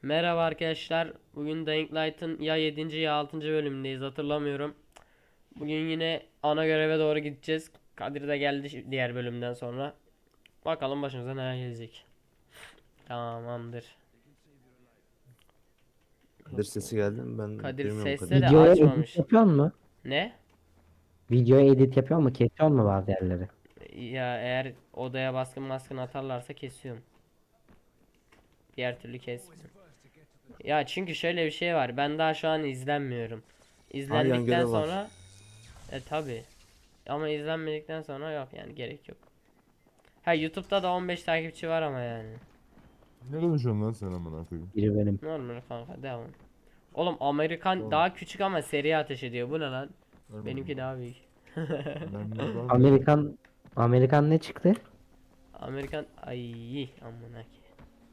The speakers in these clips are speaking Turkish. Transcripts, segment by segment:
Merhaba arkadaşlar. Bugün Dying Light'ın ya 7. ya 6. bölümündeyiz, hatırlamıyorum. Bugün yine ana göreve doğru gideceğiz. Kadir de geldi diğer bölümden sonra. Bakalım başımıza neler gelecek. Tamamdır. Kadir sesi geldi mi? Ben Kadir duymuyorum sesle Kadir. de Videoya edit açmamış. yapıyor mu? Ne? Videoya edit yapıyor mu? Kesiyor mu bazı yerleri? Ya eğer odaya baskın atarlarsa kesiyorum. Diğer türlü kesmiyorum. Ya çünkü şöyle bir şey var. Ben daha şu an izlenmiyorum. Ha, yan İzlendikten görev var. sonra tabi. Ama izlenmedikten sonra yok yani, gerek yok. Ha, YouTube'da da 15 takipçi var ama yani. Ne konuşuyorsun lan sen amına koyayım? Biri benim. Normal kanka, devam. Oğlum Amerikan Tamam. daha küçük ama seri ateş ediyor. Bu ne lan? Vermedim Benimki ben. daha büyük. Mermi var mı? Amerikan ne çıktı? Amerikan ay amına ki.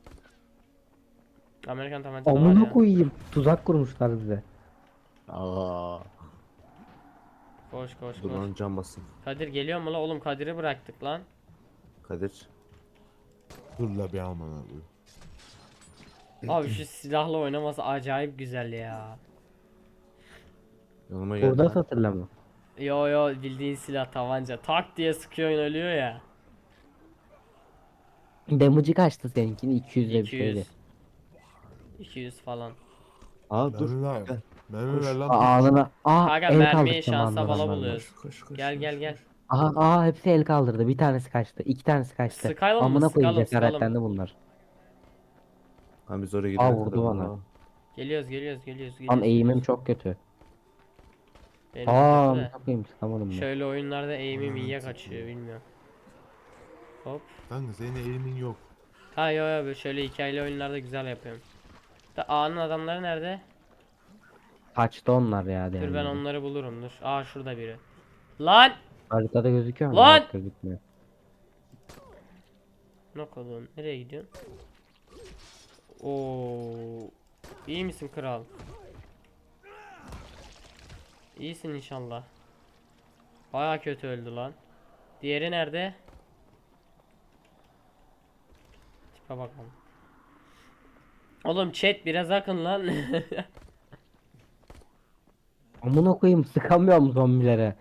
Amerikan tabancalı var Amına ya. koyayım. Tuzak kurmuşlar bize. Aa, Koş koş dur koş. lan, can basın. Kadir geliyor mu la? Oğlum Kadir'i bıraktık lan. Kadir. Dur la bir amına koyayım. Abi şu silahla oynaması acayip güzel ya. Yanıma geldi Burada lan. satırla mı? Yo yo, bildiğin silah, tabanca. Tak diye sıkıyor, ölüyor ya. Damage'ı kaçtı seninkini? 200'de bir 200. şeydi. 200 falan. Aa, dur. Mermi ver. Gel. Mermi ver Koş. lan piç. Ağzına. Kanka El mermiyi kaldırdı şansa zamanında bala adamlarla. buluyoruz. Koş. Gel gel gel. Hepsi el kaldırdı. Bir tanesi kaçtı. İki tanesi kaçtı. Sıkalım mı? Amına koyayım, Sıkalım sıkalım. cesaretlendi bunlar. Ha, biz oraya gidene Vurdu kadar. bana. Aa. Tam eğimim Geliyoruz. çok kötü. Benim de kötü Amına de. koyayım, sıkamadım ben. Şöyle oyunlarda eğimim Ananı iyiye satayım. kaçıyor, bilmiyorum. Hop. Kanka senin eğimin yok. Ha yo yo, böyle şöyle hikayeli oyunlarda güzel yapıyorum. Da A'nın adamları nerede? Kaçtı onlar ya Dur ben diğerleri. onları bulurum, dur. Aa, şurada biri. Lan! Haritada gözüküyor mu? Lan! Yok, gözükmüyor. Ne kadar? Nereye gidiyorsun? Oo. İyi misin kral? İyisin inşallah. Baya kötü öldü lan. Diğeri nerede? Tipe bakalım. Oğlum chat biraz akın lan. Amına koyayım, sıkamıyorum zombilere.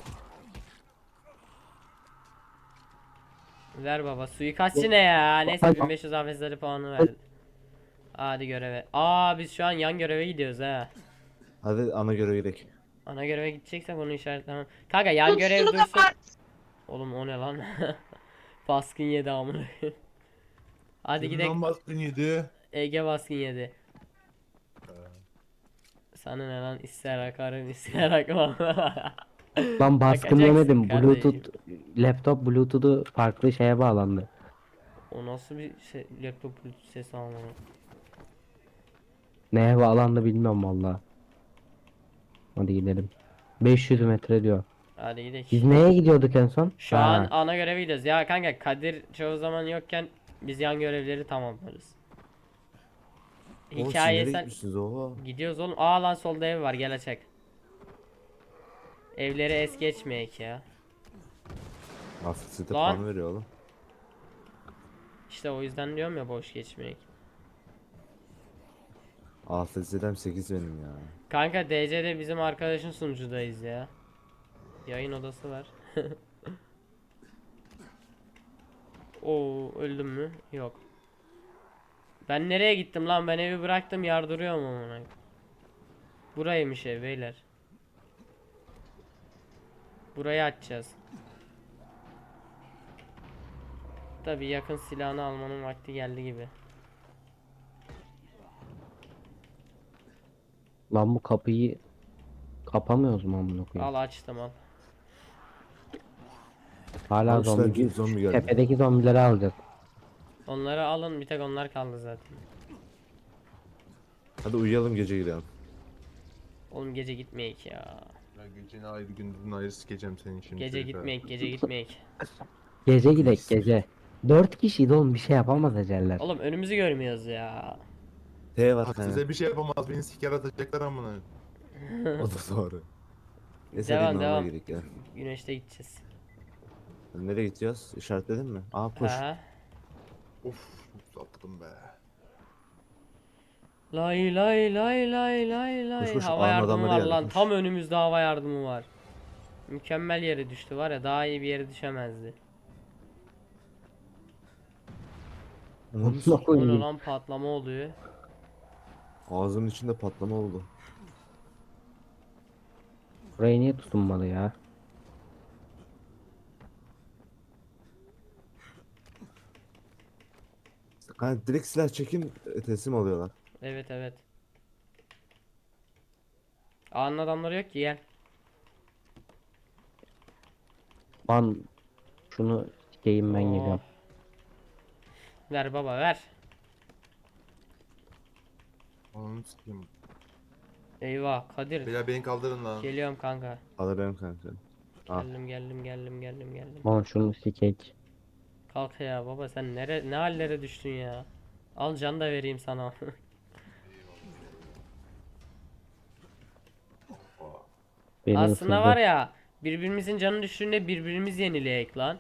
Ver baba, suikastçı ne ya? Neyse 1500 hafızları puanı verdi. Hadi göreve. Aa, biz şu an yan göreve gidiyoruz ha. Hadi ana göreve gidelim. Ana göreve gideceksek bunu işaretlemem. Kanka yan görev dursun. Oğlum o ne lan? Baskın yedi amına. Hadi gidelim. Kimden baskın yedi? Ege baskın yedi. Sana ne lan, ister akarım ister akmam. Lan baskın Akacaksın yemedim. kardeşim. Laptop Bluetooth'u farklı şeye bağlandı. O nasıl bir şey, laptop Bluetooth sesi alma. Neye bağlandı bilmiyorum valla. Hadi gidelim. 500 metre diyor. Hadi gidelim. Biz neye gidiyorduk en son? Şu an ana göreve gidiyoruz. Ya kanka Kadir çoğu zaman yokken biz yan görevleri tamamlarız. Oğlum, siz Hikaye nereye sen gitmişsiniz? Oha. gidiyoruz oğlum. Aa lan, solda ev var, gel açak. Evleri es geçmeyek ya. Afiyet Lan. puan veriyor oğlum. İşte o yüzden diyorum ya, boş geçmeyek. Afiyet 8 benim ya. Kanka DC'de bizim arkadaşın sunucudayız ya. Yayın odası var. Oo, öldüm mü? Yok. Ben nereye gittim lan? Ben evi bıraktım, yardırıyorum amına. Buraymış ev beyler. Burayı açacağız. Tabii yakın silahını almanın vakti geldi gibi. Lan bu kapıyı kapamıyoruz mu amına koyayım? Al, açtım al. Hala Almışlar, zombi. zombi geldi. Tepedeki zombileri alacağız. Onları alın, bir tek onlar kaldı zaten. Hadi uyuyalım, gece gidelim. Oğlum gece gitmeyek ya. Ya geceni ayrı gündüzünü ayrı sikeceğim senin şimdi. Gece çocuk ha. gitmeyek, gece gitmeyek. Gece gidek gece. 4 kişiydi oğlum, bir şey yapamaz eceller. Oğlum önümüzü görmüyoruz ya. T var Bak kanka. size bir şey yapamaz, beni siker atacaklar amına. O da doğru. Neyse, Devam, hadi normal devam. gidelim ya. Güneşte gideceğiz. Nereye gideceğiz? İşaretledin mi? Aa, koş. Ha. Of, çok sattım be. Lay lay lay lay lay lay. koş, Hava ağın yardımı adamları var geldi, lan. koş. Tam önümüzde hava yardımı var. Mükemmel yere düştü var ya, daha iyi bir yere düşemezdi. Onun Ne O ne koyayım? lan, patlama oluyor. ağzının içinde patlama oldu. Burayı niye tutunmadı ya? Hani direkt silah çekin teslim alıyorlar. Evet evet. Ağanın adamları yok ki, gel. Lan şunu sikeyim ben Oh. geliyorum. Ver baba ver. Ananı sikeyim. Eyvah Kadir. Beyler beni kaldırın lan. Geliyorum kanka. Alırım kanka. Ah. Geldim. Lan şunu sikek. Kalk ya baba, sen ne hallere düştün ya. Al can da vereyim sana. Beni Aslında ısırdı. var ya, birbirimizin canı düştüğünde birbirimiz yenileyek lan.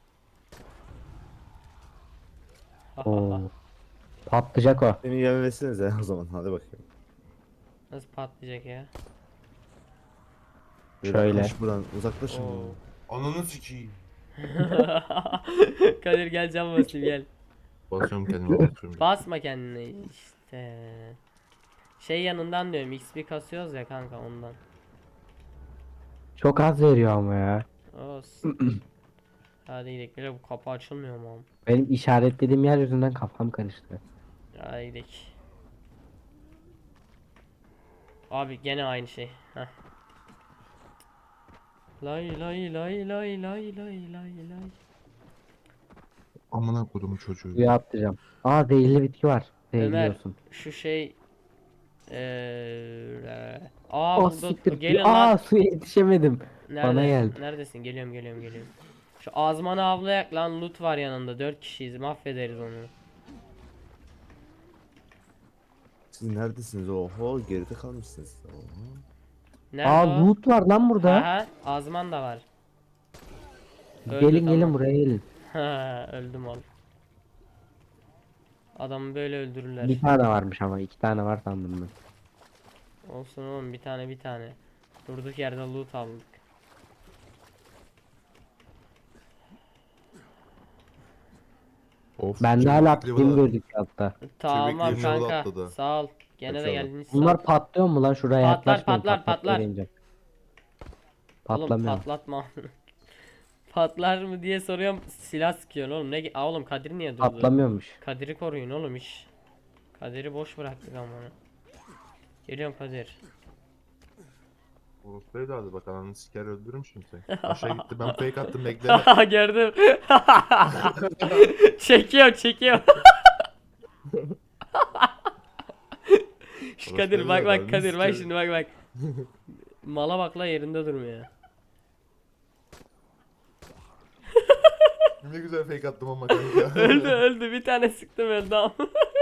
Oo. Patlayacak o. Beni yememesinize o zaman, hadi bakayım. Nasıl patlayacak ya? Beyler, Şöyle. kaç buradan uzaklaşın. Oo. Ananı sikeyim. Kadir gel, can basayım gel. Basıyorum kendime basıyorum. Basma kendine işte. Şey yanından diyorum, XP kasıyoruz ya kanka, ondan. Çok az veriyor ama ya. Olsun. Hadi gidelim. Böyle bu kapı açılmıyor mu? Benim işaretlediğim yer yüzünden kafam karıştı. Hadi gidelim. Abi gene aynı şey. Heh. Lay lay lay lay lay lay lay lay. Amına kodumun çocuğu. Suya atlayacağım. Aa zehirli bitki var. Ömer Zehirliyorsun. şu şey Oh burada siktir. gelin Aa lan. suya yetişemedim. Nerede? bana geldi. Neredesin? Geliyorum. Şu azmanı avlayak lan, loot var yanında. 4 kişiyiz. Mahvederiz onu. Siz neredesiniz? Oho, geride kalmışsınız. Oho. Nerede Aa o? loot var lan burada. Ha, azman da var. Öldü, Gelin tamam. buraya gelin. Ha, öldüm oğlum. Adamı böyle öldürürler. Bir tane varmış ama 2 tane var sandım ben. Olsun oğlum, bir tane. Durduk yerde loot aldık. Of. Bende çevik hala level pim at- gözüküyor hatta. Tamam Çevikliğim level kanka. atladı. Sağ ol. Gene de Kaçalım. geldiniz. Sağ ol. Bunlar patlıyor mu lan şuraya Patlar, yaklaşmayın. patlar. patlatmayınca. Oğlum Patlamıyor. patlatma. Patlar mı diye soruyorum. Silah sıkıyorsun oğlum. Aa, oğlum Kadir niye durdu? Patlamıyormuş. Kadir'i koruyun oğlum iş. Kadir'i boş bıraktık ama. Geliyorum Kadir. Orospu evladı bak ananı siker öldürürüm şimdi seni. Aşağı gitti ben fake attım bekleme. Gördüm. çekiyor. Şu Kadir Orospu bak evladı, Kadir bak sikerim. şimdi bak. Mala bak la, yerinde durmuyor. Ne güzel fake attım ama kanka. öldü bir tane sıktım, öldü ama.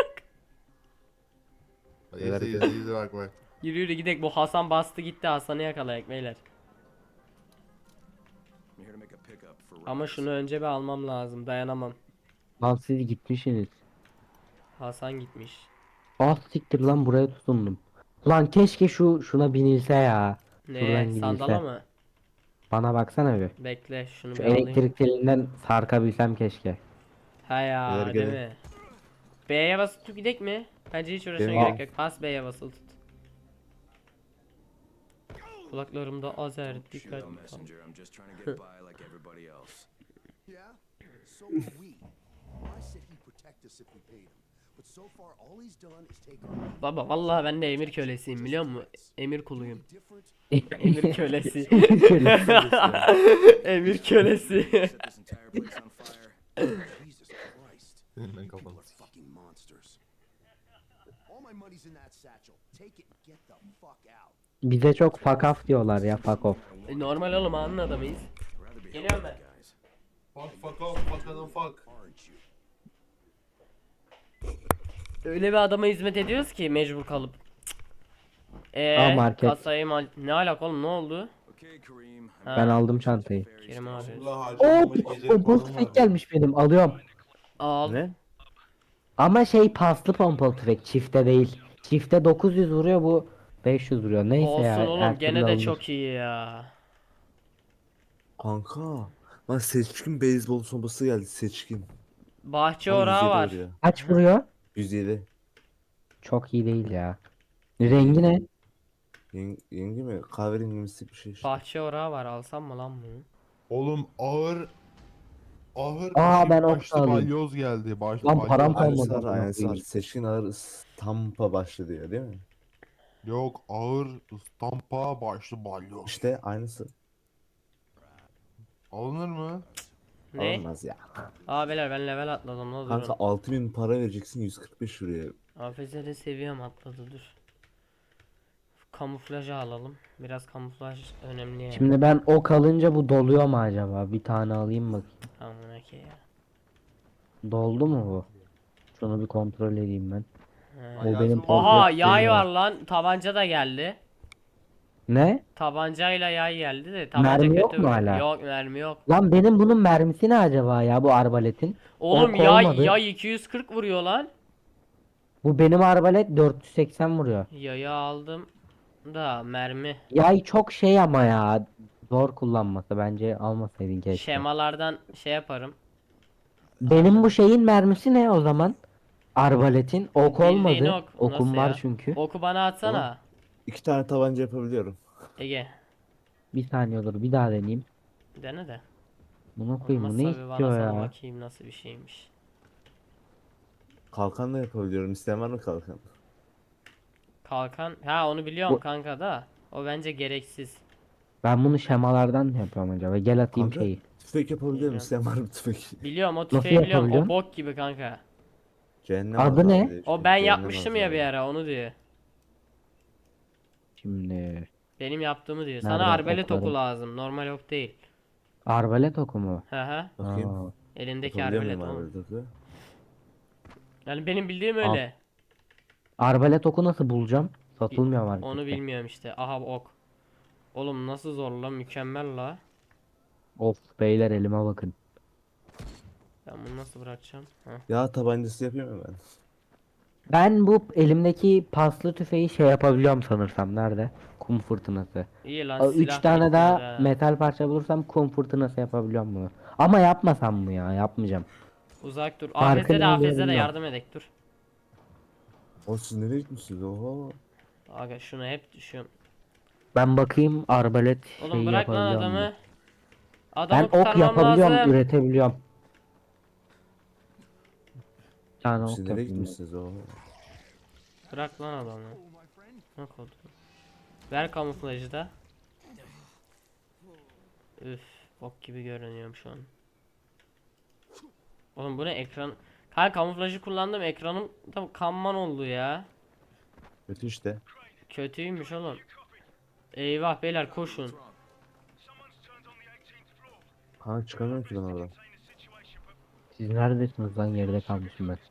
İzle bak. Yürü gidek, bu Hasan bastı gitti, Hasan'ı yakalayak beyler. Ama şunu önce bir almam lazım, dayanamam. Lan siz gitmişsiniz. Hasan gitmiş. Ah siktir lan buraya tutundum. Lan keşke şuna binilse ya. Şuradan Ne, gidilse. sandala mı? Bana baksana bir. Bekle şunu Şu bir alayım. elektrik telinden sarkabilsem keşke. Ha ya, Beyler değil gelin. mi? B'ye basıp tut gidek mi? Bence hiç uğraşmaya Gelin. gerek yok. Bas B'ye basılı tut. Kulaklarımda azer dikkat. Shit, messenger. I'm just trying to get by like everybody else. Yeah? So are we. I said he'd protect us if we paid him. But so far all he's done is take our Baba vallahi ben de emir kölesiyim, biliyor musun? Emir kuluyum. different Emir kölesi. Kölesi. Emir kölesi. Set this entire place on fire. Jesus Christ. Ben kafanı We're fucking monsters. All my money's in that satchel. Take it and get the fuck out. Bize çok fuck off diyorlar ya, fuck off. Normal oğlum, anın adamıyız. Rather be Geliyorum ben. guys. Fuck off fuck adam fuck. Aren't you? Öyle bir adama hizmet ediyoruz ki mecbur kalıp. Market. Kasayı ne alaka oğlum, ne oldu? Okay, Kareem. Ha, Ben aldım çantayı. Kerim abi. Allah Oo, harcamamış gece pompalı falan tüfek var. gelmiş benim, alıyorum. Al. Ne? Ama şey paslı pompalı tüfek, çifte değil. Çifte 900 vuruyor, bu 500 vuruyor. Neyse Olsun ya, oğlum, her gene türlü de alınır. çok iyi ya. Kanka. Lan seçkin beyzbol sopası geldi seçkin. Bahçe Ama orağı 107 var. vuruyor. Kaç vuruyor? 107. Çok iyi değil ya. Çok iyi. Rengi ne? Yengi mi? Kahverengimsi bir şey işte. Bahçe orağı var, alsam mı lan bunu? Oğlum ağır ağır bir Aa, şey ben okta başlı alayım. balyoz geldi. Lan param Balyoz kalmadı. geldi. Aynısı var, amına aynısı var. koyayım. Seçkin ağır Tampa başlı diyor değil mi? Yok, ağır ıstampa başlı balyoz. İşte aynısı. Alınır mı? Ne? Alınmaz ya. Aa beyler, ben level atladım la, Kanka durun. 6000 para vereceksin 145 vuruyor. AFS'de seviyem atladı, dur. Kamuflajı alalım. Biraz kamuflaj önemli yani. Şimdi ben ok alınca bu doluyor mu acaba? Bir tane alayım bakayım. Amına ki ya. Doldu mu bu? Şunu bir kontrol edeyim ben. He. O benim Aha, portret yay şeyi var lan. Tabanca da geldi. Ne? Tabancayla yay geldi de tabanca Mermi kötü yok mu vuruyor. hala? Yok, mermi yok. Lan benim bunun mermisi ne acaba ya, bu arbaletin? Oğlum Ok yay olmadı. yay 240 vuruyor lan. Bu benim arbalet 480 vuruyor. Yayı aldım da mermi. Yay çok şey ama ya. Zor kullanması, bence almasaydın keşke. Şemalardan şey yaparım. Benim bu şeyin mermisi ne o zaman? Arbaletin ok Bildiğin olmadı. ok. Okum Nasıl var ya? çünkü. Oku bana atsana. 2 tane tabanca yapabiliyorum. Ege. Bir saniye olur, bir daha deneyeyim. Dene de. Buna koyayım, bu ne Olmazsa bir bana istiyor sal ya? bakayım nasıl bir şeymiş. Kalkan da yapabiliyorum. İsteyen var mı kalkan? Kalkan. Ha, onu biliyorum Bu- kanka da. O bence gereksiz. Ben bunu şemalardan yapıyorum acaba. Gel atayım Kanka şeyi. tüfek yapabiliyorum. Bilmiyorum. İsteyen var mı tüfek? Biliyorum, o Nasıl tüfeği biliyorum. O yapabiliyorsun? bok gibi kanka. Cehennem Adı azabı ne? diye işte, O ben cehennem yapmıştım ya azabı. bir ara, onu diyor. Şimdi Benim yaptığımı diyor. Sana nerede arbalet oku oklarım? lazım. Normal ok değil. Arbalet oku mu? Hı hı. Bakayım. Aa, Elindeki Yapabiliyor arbalet muyum oğlum. abi topu? Yani benim bildiğim Al. öyle. arbalet oku nasıl bulacağım? Satılmıyor markette. Onu bilmiyorum işte. Aha, ok. Oğlum nasıl zor lan, mükemmel la. Of beyler, elime bakın. Ben bunu nasıl bırakacağım? Heh. Ya tabancası yapayım mı ben? Ben bu elimdeki paslı tüfeği şey yapabiliyorum sanırsam. Nerede? Kum fırtınası. İyi lan, 3 silah tane bitmiyor daha ha. metal parça bulursam kum fırtınası yapabiliyorum bunu. Ama yapmasam mı ya? Yapmayacağım. Uzak dur. Farkı AFS'de ne oluyor AFS'de de bilmiyorum. yardım edek, dur. O siz nereye gitmişsiniz? Oha. Aga şunu hep düşüyorum. Ben bakayım arbalet Oğlum şeyi bırak lan yapabiliyor muyum? adamı. Ben Adamı ok kurtarmam yapabiliyorum, lazım. üretebiliyorum. Bir tane Siz ok nereye yapayım. gitmişsiniz? Oha. Bırak lan adamı. Bak oldu. Ver kamuflajı da. Üf, bok gibi görünüyorum şu an. Oğlum bu ne, ekran? Kanka kamuflajı kullandım, ekranım da kanman oldu ya. Kötü işte. Kötüymüş oğlum. Eyvah beyler, koşun. Kanka çıkamıyorum ki ben oradan. Siz neredesiniz lan, geride kalmışım ben.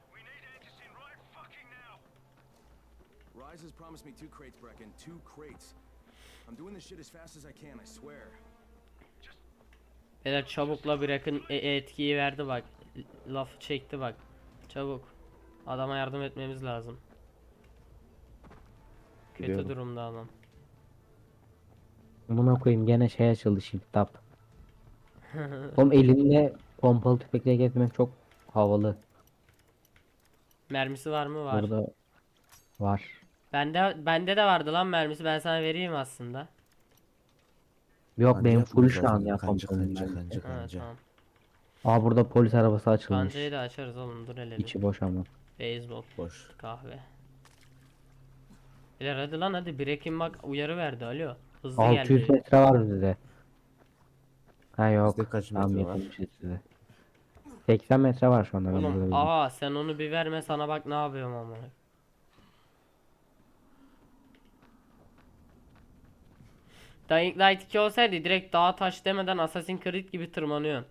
Rise has promised me 2 crates, Brecken. 2 crates. I'm doing this shit as fast as I can, I swear. Beyler çabukla bırakın, etkiyi verdi bak. Lafı çekti bak. Çabuk. Adama yardım etmemiz lazım. Kötü Biliyorum. durumda adam. Buna koyayım, gene şey açıldı, shift tab. Oğlum elinde pompalı tüfekle gezmek çok havalı. Mermisi var mı? Var. Burada var. Bende de vardı lan mermisi. Ben sana vereyim aslında. Yok, Kanca benim full yapmamız şu an lazım. ya Kanca pompalım kanca ben. kanca Ha, kanca. tamam. Aa, burada polis arabası açılmış. Kancayı da açarız oğlum, dur hele bir. İçi boş ama. Beyzbol, Boş. kahve. Beyler hadi lan, hadi. Breaking bak uyarı verdi, alo. Hızlı 600 geldi. metre var bizde. Ha yok. Bizde kaç Tam metre var? yapılmışız size. 80 metre var şu anda ben burada Oğlum bizim. aha, sen onu bir verme, sana bak ne yapıyorum ama. Dying Light 2 olsaydı direkt dağa taş demeden Assassin's Creed gibi tırmanıyorsun.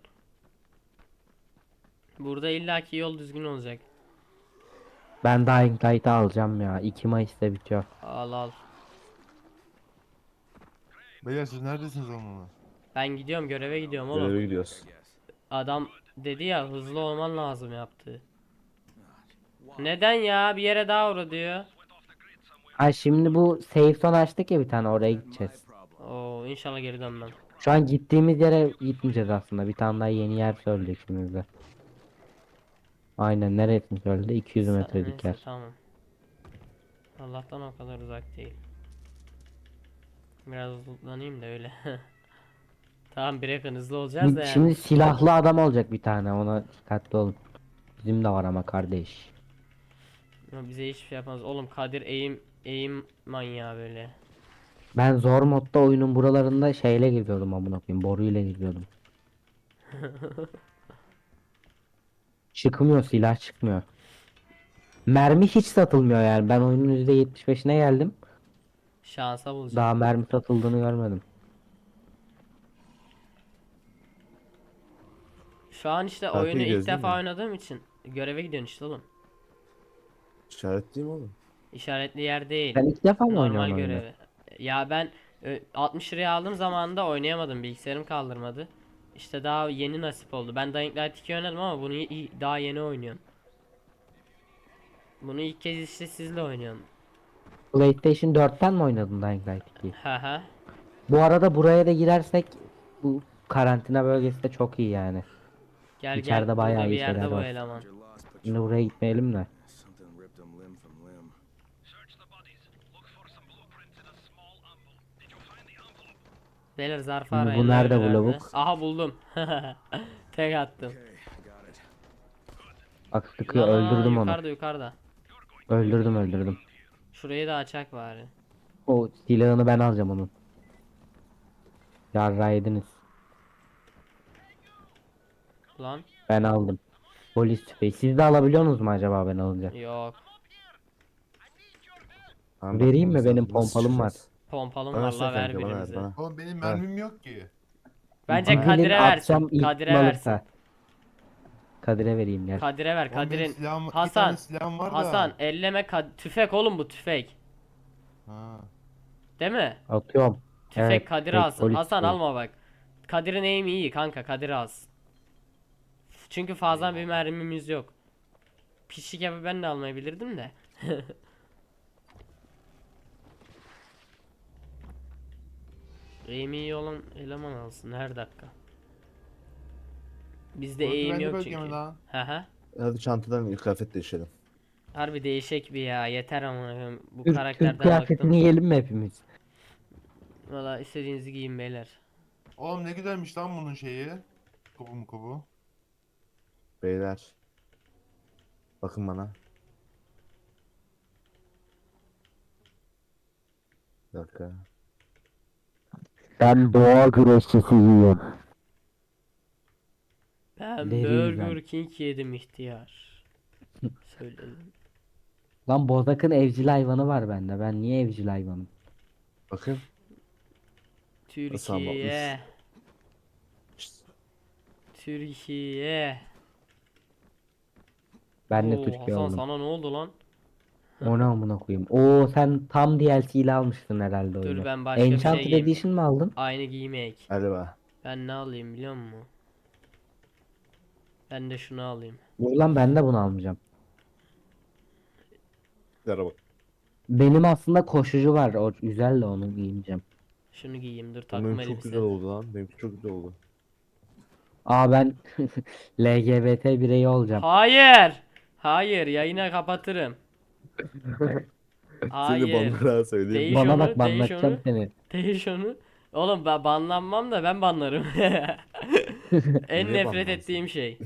Burada illaki yol düzgün olacak. Ben Dying Light'ı alacağım ya. 2 Mayıs'ta bitiyor. Al al. Beyler siz neredesiniz onunla? Ben gidiyorum, göreve gidiyorum oğlum. Göreve gidiyoruz. I guess. Adam dedi ya, hızlı olman lazım yaptı. Neden ya, bir yere daha uğra diyor. Ha şimdi bu safe zone açtık ya bir tane, oraya gideceğiz. Oo, inşallah geri dönmem. Şu an gittiğimiz yere gitmeyeceğiz aslında. Bir tane daha yeni yer söyleyecek şimdi bize. Aynen, neresini söyledi? 200 metrelik Neyse yer. tamam. Allah'tan o kadar uzak değil. Biraz hızlanayım da öyle. Tamam, bir yakın hızlı olacağız da yani. Şimdi silahlı adam olacak bir tane, ona dikkatli olun. Bizim de var ama kardeş. Ama bize hiçbir şey yapmaz. Oğlum Kadir eğim manyağı böyle. Ben zor modda oyunun buralarında şeyle giriyordum, amına koyayım, boruyla giriyordum. Çıkmıyor, silah çıkmıyor. Mermi hiç satılmıyor yani. Ben oyunun %75'ine geldim. Şansa bulacağım. Daha mermi satıldığını görmedim. Şu an işte Takip oyunu ilk ediyoruz değil defa mi? oynadığım için göreve gidiyorsun işte oğlum. İşaretliyim oğlum. İşaretli yer değil. Sen ilk defa mı Normal oynuyorsun oyunu? görevi. Ya ben 60 liraya aldığım zamanında oynayamadım. Bilgisayarım kaldırmadı. İşte daha yeni nasip oldu. Ben Dying Light 2 oynadım ama bunu daha yeni oynuyorum. Bunu ilk kez işte sizle oynuyorum. PlayStation 4'ten mi oynadın Dying Light 2'yi? Haha. Bu arada buraya da girersek bu karantina bölgesi de çok iyi yani. Gel gel, İçeride burada bayağı bir iyi yerde şeyler bu var. eleman. You're lost, but Şimdi buraya gitmeyelim de. something ripped him limb from limb. Beyler zarfı Şimdi bu arayın. nerede bu nerelerde? lavuk? Aha buldum. Tek attım. Okay, I got it. Bak sıkıyor, Lan öldürdüm onu. yukarıda yukarıda. Öldürdüm. Şurayı da açak bari. O silahını ben alacağım onun. Yarra yediniz. Lan Ben aldım. Polis tüfeği. Siz de alabiliyorsunuz mu acaba ben alınca? yok. Tamam, Vereyim mi? bakmamız Benim lazım. Nasıl pompalım var. çıkacağız? Pompalım Bana var versene la, ver kanka, bana ver birimize. bana. Oğlum benim Ver. mermim yok ki. Bence Bilin Kadir'e versin. atacağım, ilk Kadir'e kim versin. alırsa. Kadir'e vereyim gel. Kadir'e ver. Oğlum benim Kadir'in. silahım, bir Hasan. tane silahım var da. Hasan elleme tüfek oğlum, bu tüfek. Ha. Değil mi? Atıyorum. Tüfek Evet, Kadir tek alsın. polis Hasan tüfeği. alma bak. Kadir'in aim iyi kanka, Kadir alsın. Çünkü fazla bir mermimiz yok. Pişik yapıp ben de almayabilirdim de. Aim iyi olan eleman alsın her dakika. Bizde Burası aim bende yok bölge mi çünkü. lan? Haha. Hadi çantadan kıyafet değişelim. Harbi değişik bir ya, yeter ama bu Türk karakterden kıyafetini bıktım. giyelim mi hepimiz? Valla istediğinizi giyin beyler. Oğlum ne güzelmiş lan bunun şeyi. Kubu. Beyler. Bakın bana. Bir dakika. Ben boğa güreşçisiyim. Ben Vereyim Burger ben. King yedim ihtiyar. Söyledim. Lan Bozak'ın evcil hayvanı var bende. Ben niye evcil hayvanım? Bakın. Türkiye. Şşt. Türkiye. Ben de Oo, Türkiye Hasan oldum. sana ne oldu lan? O ne amına koyayım? Oo, sen tam DLC ile almıştın herhalde oyunu. Dur, ben başka bir şey Enchanted giyeyim. Edition mi aldın? Aynı giymeyek. Hadi be. Ben ne alayım biliyor musun? Ben de şunu alayım. Ulan ben de bunu almayacağım. Yara bak. Benim aslında koşucu var. O güzel de onu giyeceğim. Şunu giyeyim, dur takım Benim çok elbise. güzel oldu lan. Benimki çok güzel oldu. Aa, ben LGBT bireyi olacağım. Hayır. Hayır, yayını kapatırım. Seni Hayır. banlara söyleyeyim. Değiş Bana onu, bak, değiş banlatacağım onu. seni. Değiş onu. Oğlum ben banlanmam da ben banlarım. En Niye nefret banlansın? ettiğim şey.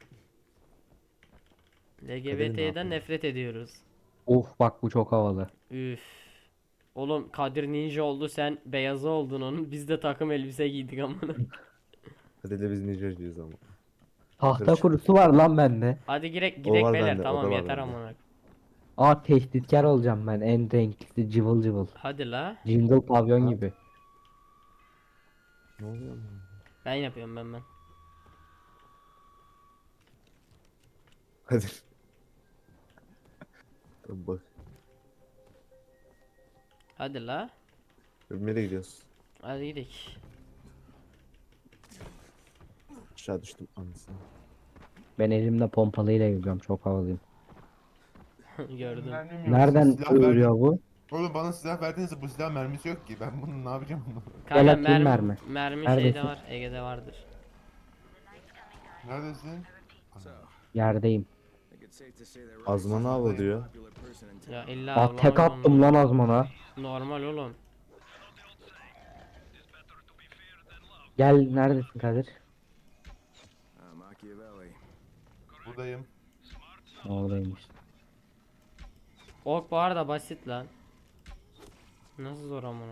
ne LGBT'den yapıyor? nefret ediyoruz. Of, bak bu çok havalı. Üf. Oğlum Kadir ninja oldu, sen beyazı oldun onun. Biz de takım elbise giydik amına. Hadi de biz Nijer'ciyiz ama. Tahta Karışık. kurusu var lan bende. Hadi girek O gidek var beyler, bende, o tamam da var yeter bende. amına. Aa, tehditkar olacağım ben. En renklisi cıvıl cıvıl. Hadi la. Jingle pavyon Ha? gibi. Ne oluyor lan? Ben yapıyorum ben. Hadi. Tamam bak. Hadi la. Nereye gidiyoruz? Hadi gidelim. Aşağı düştüm anasını. Ben elimde pompalıyla yüzüyorum. Çok havalıyım. Gördüm. Mermim yok. Nereden Silah ver. ölüyor bu? Oğlum bana silah verdiniz, bu silah mermisi yok ki. Ben bunu ne yapacağım? Kanka Gel atayım mermi mermi. şeyde Neredesin? var. Ege'de vardır. Neredesin? So, Yerdeyim. I think it's safe to say that Riley's Azmanı the avla most diyor. popular person in town. Ya illa Ah tek avlamak attım zorunda. lan Azman'a. Normal oğlum. Gel neredesin Kadir? Machiavelli. Buradayım. Oradaymış. Ok bu arada basit lan. Nasıl zor amına.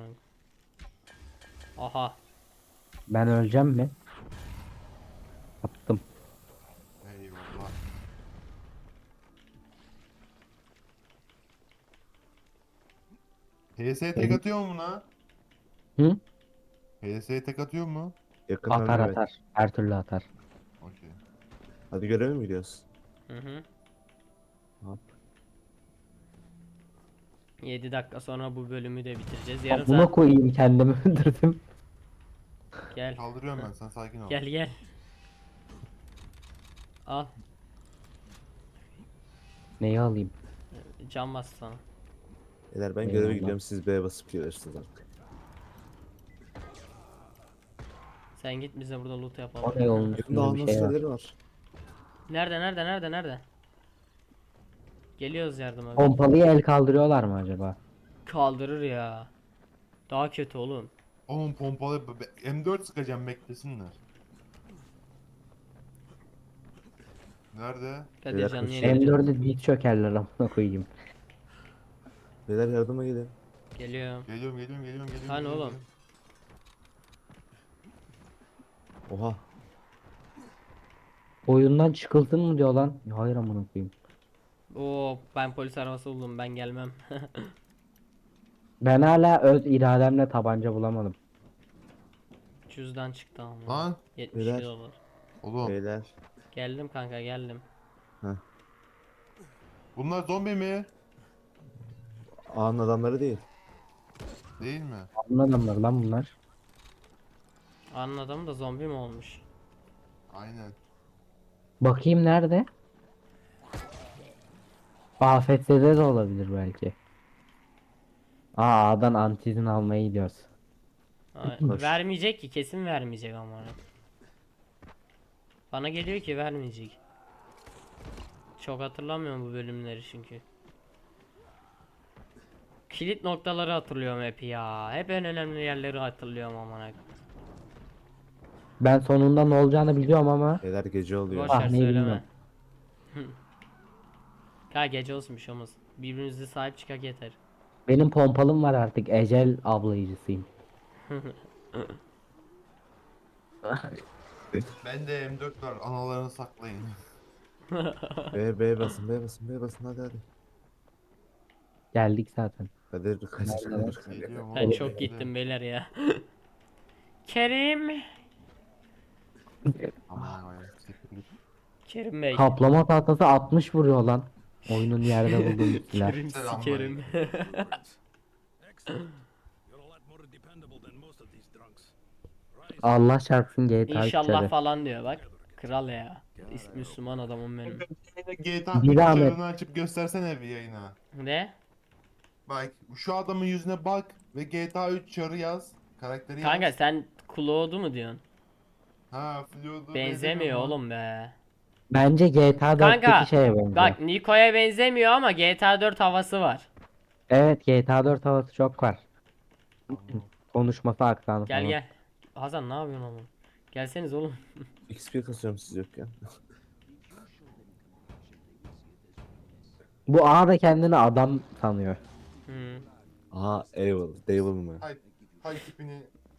Aha. Ben öleceğim mi? Attım. Eyvallah. HS'ye tek atıyor mu buna? Hı? HS'ye tek atıyor mu? Yakından Atar evet. atar. Her türlü atar. Okey. Hadi göreve mi gidiyoruz? Hı hı. Hop. 7 dakika sonra bu bölümü de bitireceğiz. Yarım Buna saat. koyayım kendimi öldürdüm. Gel. Kaldırıyorum ben, sen sakin ol. Gel gel. Al. Neyi alayım? Can bas sana. Beyler ben Eyvallah. göreve gidiyorum, siz B'ye basıp gelirsiniz artık. Sen git bize burada loot O yapalım. ne yolun Yakında üstünde bir anons şey var. şeyleri var. Nerede? Geliyoruz yardıma. Pompalıyı el kaldırıyorlar mı acaba? Kaldırır ya. Daha kötü oğlum. Oğlum pompalı M4 sıkacağım, beklesinler. Nerede? Kadir canını kaçıyor. yenileceğim. M4'e diz çökerler amına koyayım. Beyler yardıma gelin. Geliyorum. Geliyorum. Hani oğlum? Oha. Oyundan çıkıldın mı diyor lan. Hayır amına koyayım. Oo ben polis arabası buldum, ben gelmem. Ben hala öz irademle tabanca bulamadım. Cüzdan çıktı ama. Lan 72 Beyler. dolar. oğlum, Şey- Beyler. Geldim kanka geldim. bunlar zombi mi? Ağanın adamları değil. Değil mi? Ne adamlar lan bunlar? Anladım da zombi mi olmuş? Aynen. Bakayım nerede? AFS'de de olabilir belki. A'dan antizin almaya gidiyoruz. Ay, Boş. vermeyecek ki, kesin vermeyecek ama. Bana geliyor ki vermeyecek. Çok hatırlamıyorum bu bölümleri çünkü. Kilit noktaları hatırlıyorum hep ya. Hep en önemli yerleri hatırlıyorum amına. Ben sonunda ne olacağını biliyorum ama Beyler gece oluyor. Boş ver Sahneyi söyleme. bilmiyorum. Ha gece olsun bir şey olmaz. Birbirimize sahip çıkak yeter. benim pompalım var artık. Ecel ablayıcısıyım. Bende M4 var, analarını saklayın. B basın hadi hadi. Geldik zaten. Kadir Kadir. Geliyorum Ben oğlum, çok bekle. gittim beyler ya. Kerim. Aman Allah'ım, siktir git. Kerim Bey. Kaplama tahtası 60 vuruyor lan. Oyunun yerde bulduğum silah. Kerim Selam sikerim. Excellent. You're a lot more dependable than most of these drunks. Rise Allah çarpsın GTA İnşallah içeri. falan diyor bak. Kral ya. Müslüman adamım benim. GTA Bir 3 zahmet. çarını açıp göstersene bir yayına. Ne? Bak şu adamın yüzüne bak ve GTA 3 çarı yaz. Karakteri Kanka yaz. sen Claude'u mu diyorsun? Ha Floyd'u Benzemiyor mu? oğlum be. Bence GTA Kanka 4'teki şeye benziyor. bak Niko'ya benzemiyor ama GTA 4 havası var. Evet GTA 4 havası çok var. Konuşması aksanı Gel falan. gel. Hazan ne yapıyorsun oğlum? Gelseniz oğlum. XP kasıyorum siz yokken. Bu A da kendini adam sanıyor. Hı. Aha Devil mı? Hay tipini.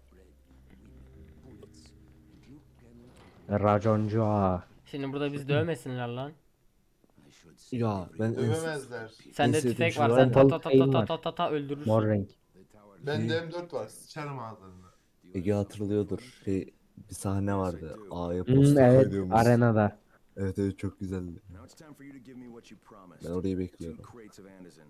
Raconcu A. Şimdi burada bizi dövmesinler lan. Ya ben Dövemezler. Sende sevdiğim tüfek şey var, var sen ya. ta ta ta Şeyim ta var. ta ta ta öldürürsün. Mor renk. Bende M4 var. Sıçarım ağzlarına. Ege hatırlıyordur. Bir sahne vardı. A'ya posta Evet koyduğumuz. arenada. Evet çok güzeldi. Now it's time for you to give me what you promised. Ben orayı 2 bekliyorum. crates of Anderson.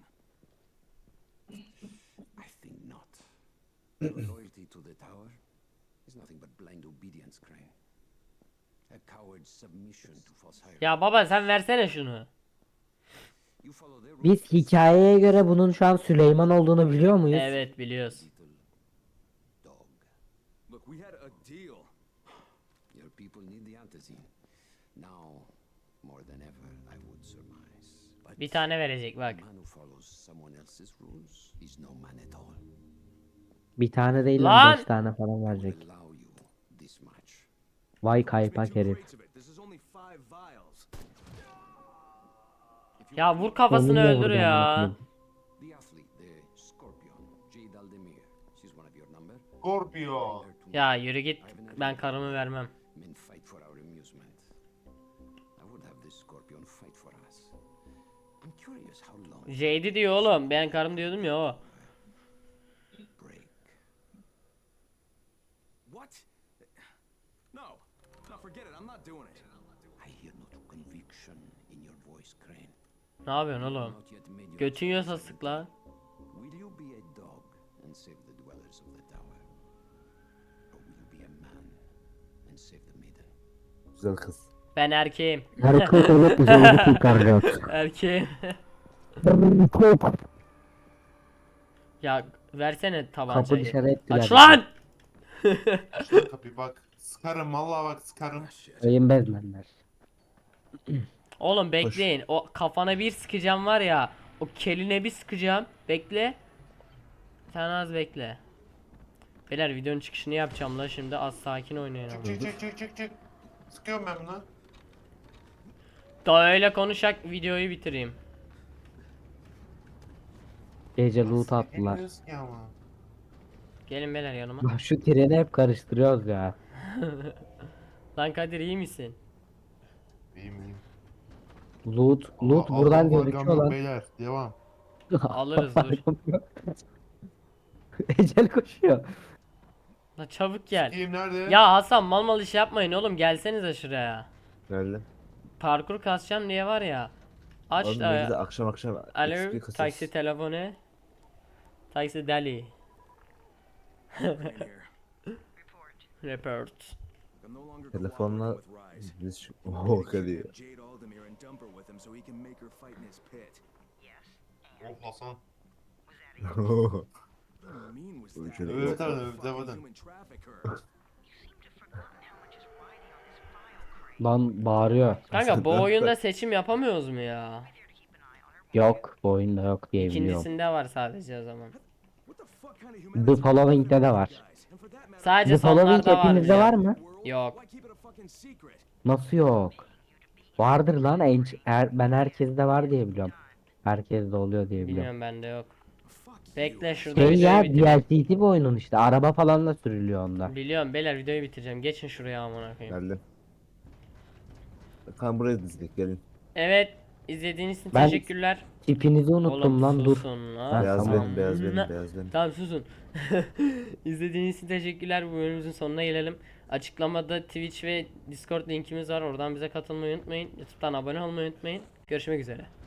I think not. Loyalty to the tower is nothing but blind obedience, Crane. A coward's submission to false hierarchy. Ya baba sen versene şunu. Biz hikayeye göre bunun şu an Süleyman olduğunu biliyor muyuz? Evet biliyoruz. Dog. Look, we had a deal. Your people need the antizin. Now, more than ever, I would surmise. But Bir tane verecek a bak. man who follows someone else's rules is no man at all. Bir tane değil Lan! lan 5 tane falan I verecek. would allow you this much. Vay Must be kaypak two herif. crates of it. This is only 5 vials. Ya vur kafasını Onunla öldür vuracağım ya. bakayım. The athlete, the Scorpion, Jade Aldemir. She's one of your number. Scorpio. Bring her to Ya me. yürü git. Ben karımı vermem. Men fight for our amusement. I would have this Scorpion fight for us. I'm curious how long Jade'i diyor oğlum. Ben karım diyordum ya o. break. What? No. No, forget it. I'm not doing it. I hear no conviction in your voice, Crane. Ne yapıyorsun oğlum? Not yet made your Götün yiyorsa choice. sık lan. Will you be a dog and save the dwellers of the tower? Or will you be a man and save the maiden? Güzel kız. Ben erkeğim. Hareket olup bize onu kurtaracak. Erkeğim. Ya versene Kapı tabancayı. dışarı ettiler. Aç lan! Aç lan kapıyı bak. Sıkarım vallahi bak sıkarım. Sayın bezmenler. Oğlum bekleyin. O kafana bir sıkacağım var ya. O keline bir sıkacağım. Bekle. Sen az bekle. Beyler videonun çıkışını yapacağım la şimdi. Az sakin oynayın ama. Çık. Sıkıyorum ben bunu. Daha öyle konuşak videoyu bitireyim. Gece loot attılar. Bilmiyoruz ki ama. Gelin beyler yanıma. Lan şu treni hep karıştırıyoruz ya. Lan Kadir iyi misin? İyiyim. Loot buradan gözüküyor lan. Beyler devam. Alırız dur. Ecel koşuyor. La çabuk gel. Kim nerede? Ya Hasan mal mal iş yapmayın oğlum gelsenize şuraya. Nerede? Parkur kasacağım diye var ya. Aç Oğlum ne da. güzel akşam Alo XP kasıyoruz. taksi telefonu. Taksi deli. In here. Report. I'm no longer Telefonla cooperating with Rise. biz şu... You Oho need to kedi. kidnap Jade Aldemir and dump her with him so he can make her fight in his pit. Oh Hasan. What mean was that? Şöyle Evet yok. abi Fucking devam. human traffic her. Lan bağırıyor. Kanka bu oyunda seçim yapamıyoruz mu ya? Yok bu oyunda yok diye biliyorum. İkincisinde var sadece o zaman. What the fuck kind of The humanity Following'de de var. guys? And for that matter, Sadece The Following sonlarda var. hepinizde var mı? world, Yok. why keep it a fucking secret? Nasıl yok? Vardır lan ben herkeste var diye biliyorum. Herkeste oluyor diye biliyorum. Bilmiyorum bende yok. Fuck you. Bekle şurada Şey ya videoyu bitireyim. DLC'si bir oyunun işte. Araba falan da sürülüyor onda. Biliyorum beyler videoyu bitireceğim. Geçin şuraya amına koyayım. Geldim. Kan buraya dizdik gelin. Evet izlediğiniz için Ben- teşekkürler. Tipinizi unuttum Oğlum lan dur. susun lan. Ha, Beyaz tamam. benim, beyaz benim, Ne- beyaz benim. Tamam susun. İzlediğiniz için teşekkürler. Bu bölümümüzün sonuna gelelim. Açıklamada Twitch ve Discord linkimiz var. Oradan bize katılmayı unutmayın. YouTube'dan abone olmayı unutmayın. Görüşmek üzere.